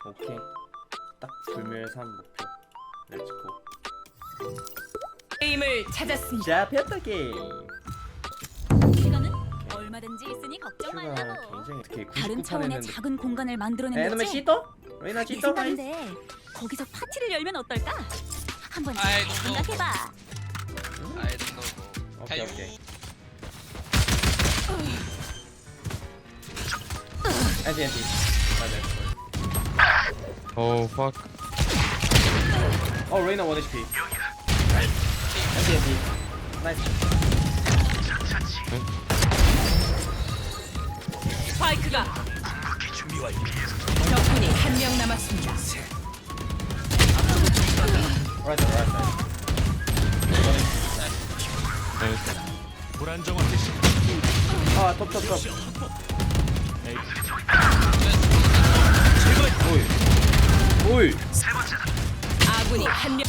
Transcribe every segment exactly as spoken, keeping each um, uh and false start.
오케이. 딱 불멸산 목표. 렛츠고. 게임을 찾았습니다. 잡혔다 게임. 시간은 얼마든지 있으니 걱정 슈가 말라고. 굉장히 특히 다른 구십구 판 차원의 했는데. 작은 공간을 만들어낸 에너메 거지? 시도? 레이나 내 시도 가이스. 생각인데 거기서 파티를 열면 어떨까? 한번 아이, 잘 너무- 생각해봐. I don't know. 오케이 오케이. 엔티 엔티. 맞아. Oh fuck. 어 레이나 원 에이치피. 엔티 엔티. 나이스. 스파이크가 적군이 한 명 남았습니다. 라이트 라이트. 불안정한 대신 아, 톱, 톱, 톱. 오이. 오이. 아군이 한 명.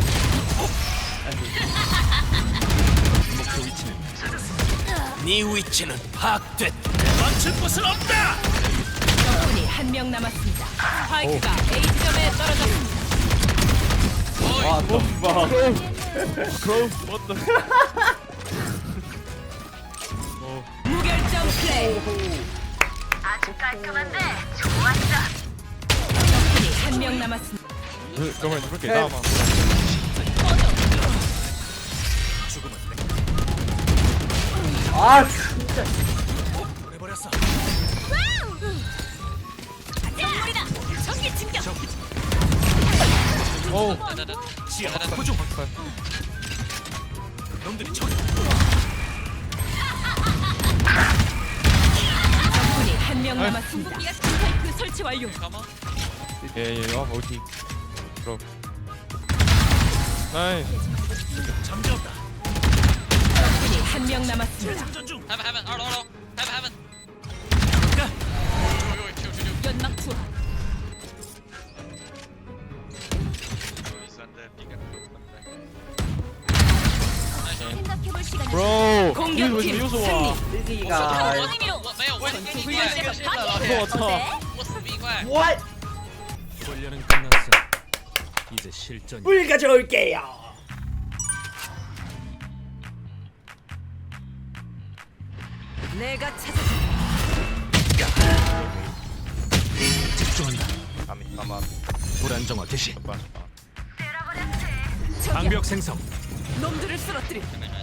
목표 위치는 네 위치는 파악됐다. 멈출 곳은 없다. 적군이 한 명 남았습니다. 스파이크가 A 지점에 떨어졌습니다. 아, 톱 봐. Crow, what the? 무결점 플레이. 아주 깔끔한데 좋았어. 적군이 한 명 남았습니다. Come on, look at that man. 죽음은 아, 진짜. 내버렸어. 선물이다. 전기 진격. Oh, 지하 고정. 놈들이 저기. 적군이 한 명 남았습니다. 스파이크 설치 완료. yeah, yeah, off O T. Bro. Nice. 잠재웠다. 적군이 한 명 남았습니다. 장전 중. Heaven, heaven, Arlo, Arlo. Heaven, heaven. 가. Yo, yo, chill, chill, chill. 연막 투하. 생각해볼 시간이 Bro, 공격팀 왜 이렇게 와? 띠디가. 의미로 我没有，我 훈련시에서 파티. 我操 어때? 我死逼怪。 What? 훈련은 끝났어. 이제 실전. 물 가져올게요. 내가 찾았다. 집중한다. 불안정화 개시. 방벽 생성. 놈들을 쓰러뜨리.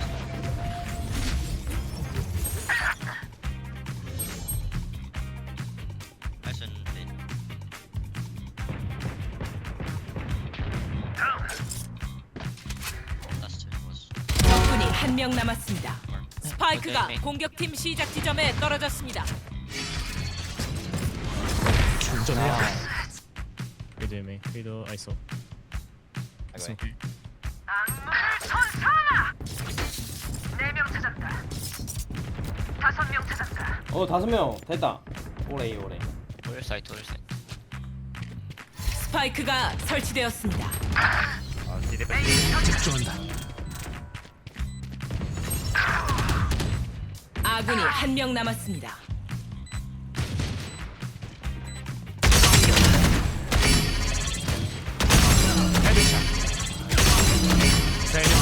적군이 한 명 남았습니다. 스파이크가 공격팀 시작 지점에 떨어졌습니다. 충전해야 돼. Video me. Video ISO. 악마의 천사. 네명 찾았다. 다섯 명 찾았다. 어, 다섯 명. 됐다. 오래, 오래. Where side, where side? 스파이크가 설치되었습니다. 집중한다. 아군이 한 명 남았습니다. 헤드샷. 세명.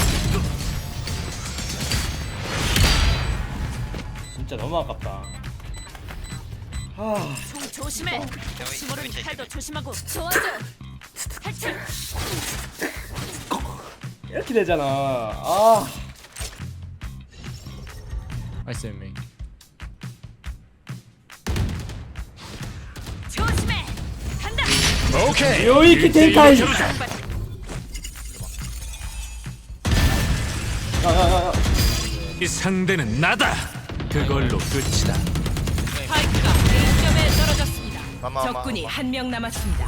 진짜 너무 아깝다. 아, 총 조심해. 혹시 모르니 팔도 조심하고. 도와줘. 탈출. 이렇게 되잖아. 아. ISO me. 조심해. 간다. 오케이. 요이키 텐카이. 야, 야, 야, 야. 이 상대는 나다. 그걸로 끝이다. 스파이크가 A 지점에 떨어졌습니다. 적군이 한 명 남았습니다.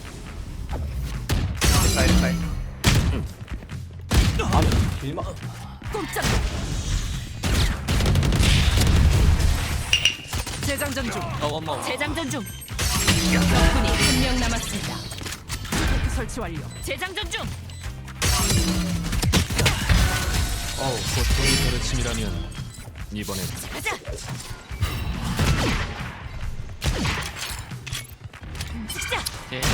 아, 길막. 꼼짝. 재장전 중. 재장전 중. 적군이 한 명 남았습니다. 스파이크 설치 완료. 재장전 중. 어우, 보통의 가르침이라면 이번엔 가자. 움직이자. 오케이.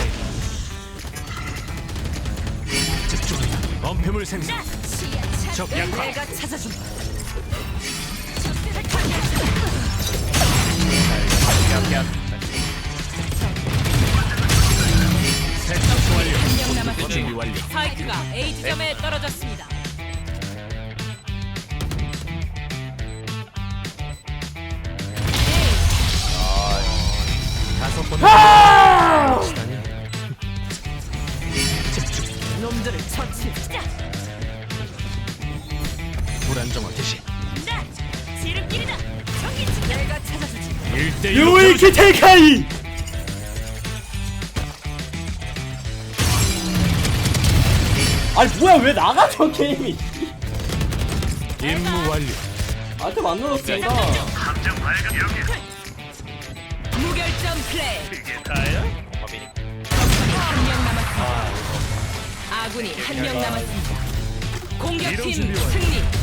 집중. 범패물 생성. 적 약화. 내가 찾아준. 세탁 완료. 한 명 준비 남았습니다. 완료. 스파이크가 A 지점에 떨어졌습니다. 다섯 번. 집중. 놈들을 처치. 불안정화 개시. 지름길이다. 저기 지금 내가 찾아주지. 일 대 유이키 테이카이. 아니 뭐야 왜 나가 저 게임이? 임무 완료. 나한테 만들었습니다. 무결점 플레이. 어빈이. 한 명 남았습니다. 아군이 한 명 남았습니다. 공격팀 승리.